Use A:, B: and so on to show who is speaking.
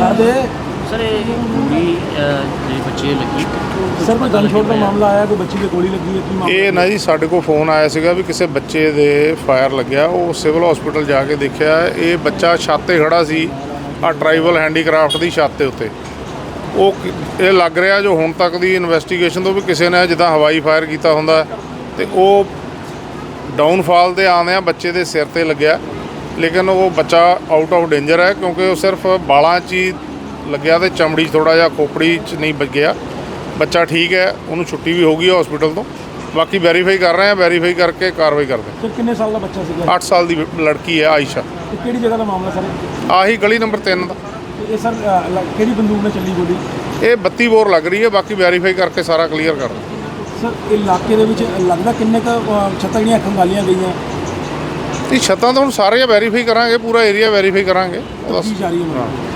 A: Sir ये गोली जो बच्चे लगी
B: ਸਰ ਕੋਈ ਗਨਸ਼ਾਟ ਦਾ ਮਾਮਲਾ ਆਇਆ ਕੋਈ ਬੱਚੀ ਦੇ ਗੋਲੀ ਲੱਗੀ ਹੈ ਕੀ ਮਾਮਲਾ
C: ਇਹ ਨਾ ਜੀ ਸਾਡੇ ਕੋਲ ਫੋਨ ਆਇਆ ਸੀਗਾ ਵੀ ਕਿਸੇ ਬੱਚੇ ਦੇ ਫਾਇਰ ਲੱਗਿਆ। ਉਹ ਸਿਵਲ ਹਸਪੀਟਲ ਜਾ ਕੇ ਦੇਖਿਆ, ਇਹ ਬੱਚਾ ਛੱਤ 'ਤੇ ਖੜਾ ਸੀ, ਆ ਟਰਾਈਬਲ ਹੈਂਡੀਕ੍ਰਾਫਟ ਦੀ ਛੱਤ ਦੇ ਉੱਤੇ। ਇਹ ਲੱਗ ਰਿਹਾ ਜੋ ਹੁਣ ਤੱਕ ਦੀ ਇਨਵੈਸਟੀਗੇਸ਼ਨ ਤੋਂ ਵੀ ਕਿਸੇ ਨੇ ਜਿੱਦਾਂ ਹਵਾਈ ਫਾਇਰ ਕੀਤਾ ਹੁੰਦਾ ਤੇ ਉਹ ਡਾਊਨਫਾਲ ਦੇ ਆਉਂਦਿਆਂ ਬੱਚੇ ਦੇ ਸਿਰ 'ਤੇ ਲੱਗਿਆ, ਲੇਕਿਨ ਉਹ ਬੱਚਾ ਆਊਟ ਆਫ ਡੇਂਜਰ ਹੈ ਕਿਉਂਕਿ ਉਹ ਸਿਰਫ ਬਾਲਾਂ 'ਚ ਹੀ ਲੱਗਿਆ ਤੇ ਚਮੜੀ 'ਚ ਥੋੜ੍ਹਾ ਜਿਹਾ ਖੋਪੜੀ 'ਚ ਨਹੀਂ ਵੱਜਿਆ। ਬੱਚਾ ਠੀਕ ਹੈ, ਉਹਨੂੰ ਛੁੱਟੀ ਵੀ ਹੋ ਗਈ ਹਸਪੀਟਲ ਤੋਂ। ਬਾਕੀ ਵੈਰੀਫਾਈ ਕਰ ਰਹੇ ਹਾਂ, ਵੈਰੀਫਾਈ ਕਰਕੇ ਕਾਰਵਾਈ ਕਰਦੇ
B: ਸਰ ਕਿੰਨੇ ਸਾਲ ਦਾ ਬੱਚਾ ਸੀਗਾ?
C: 8 ਸਾਲ ਦੀ ਲੜਕੀ ਹੈ ਆਇਸ਼ਾ।
B: ਤੇ ਕਿਹੜੀ ਜਗ੍ਹਾ ਦਾ ਮਾਮਲਾ ਸਰ?
C: ਆਹੀ ਗਲੀ ਨੰਬਰ 3 ਦਾ।
B: ਤੇ ਇਹ ਸਰ ਕਿਹੜੀ ਬੰਦੂਕ ਨਾਲ ਚੱਲੀ ਗੋਲੀ?
C: ਇਹ 32 ਬੋਰ ਲੱਗ ਰਹੀ ਹੈ, ਬਾਕੀ ਵੈਰੀਫਾਈ ਕਰਕੇ ਸਾਰਾ ਕਲੀਅਰ ਕਰ ਦਿੰਦੇ।
B: ਸਰ ਇਲਾਕੇ ਦੇ ਵਿੱਚ ਲੱਗਦਾ ਕਿੰਨੇ ਕੁ ਛੱਤਾਂ ਜਿਹੜੀਆਂ ਖੰਗਾਲੀਆਂ ਗਈਆਂ?
C: ਇਹ ਛੱਤਾਂ ਤਾਂ ਹੁਣ ਸਾਰੇ ਵੈਰੀਫਾਈ ਕਰਾਂਗੇ, ਪੂਰਾ ਏਰੀਆ ਵੈਰੀਫਾਈ ਕਰਾਂਗੇ।
B: ਕੀ ਜਾ ਰਹੀ ਹੈ?